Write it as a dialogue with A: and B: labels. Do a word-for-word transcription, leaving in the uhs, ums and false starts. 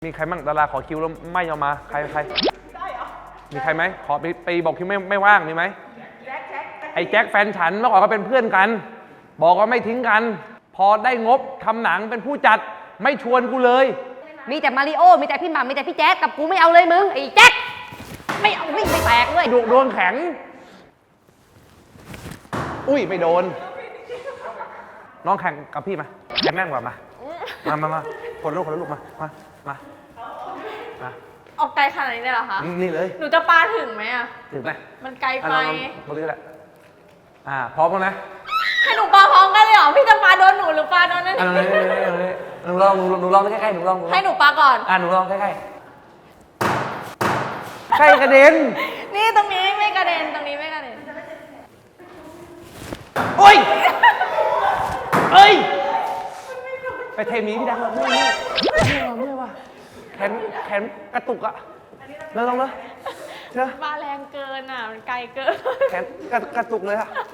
A: มีใครมั่งดาราขอคิวแล้วไม่ยอมมาใครใครได้เหรอมีใครไหมขอไปไปบอกคิวไม่ไม่ว่างมีไหมไอ้แจ็คแฟนฉันเมื่อก่อนก็เป็นเพื่อนกันบอกว่าไม่ทิ้งกันพอได้งบทำหนังเป็นผู้จัดไม่ชวนกูเลย
B: มีแต่มาริโอมีแต่พี่หม่ำมีแต่พี่แจ๊คกับกูไม่เอาเลยมึงไอ้แจ๊คไม่เอาไม่ไม่แตกด้วย
A: ดวงดวงแข็งอุ้ยไม่โดนน้องแข่งกับพี่มาแข่งแม่งกว่ามามามามาคนละลูกคนละลูกมามามามา
C: ออกไกลขนาดนี้เลยเหรอคะ
A: นี่เลย
C: หนูจะปาถึงไหมอ่ะ
A: ถึงไหม
C: มันไกลไป
A: ตรงนี้แหละอ่าพร้อมแล้วนะ
C: ให้หนูปาพร้อมกันเลยเหรอพี่จะปาโดนหนูหรือปาโดนนั่น
A: อ่าหนูลองหนูลองใกล้ๆหนูลอง
C: ให้หนูปาก่อน
A: อ่าหนูลองใกล้ๆใกล้กระเด็น
C: นี่ตรงนี้ไม่กระเด็นตรงนี้ไม่กระเด็น
A: โอ้ยเอ้ยไปเทมีพี่ดังเลยเมื่อยเมื่อยว่ะแขนแขนกระตุกอะแล้วลองเลยเชื่อ
C: มาแรงเกินอ่ะมันไกลเกิน
A: แขนกระตุกเลยอะ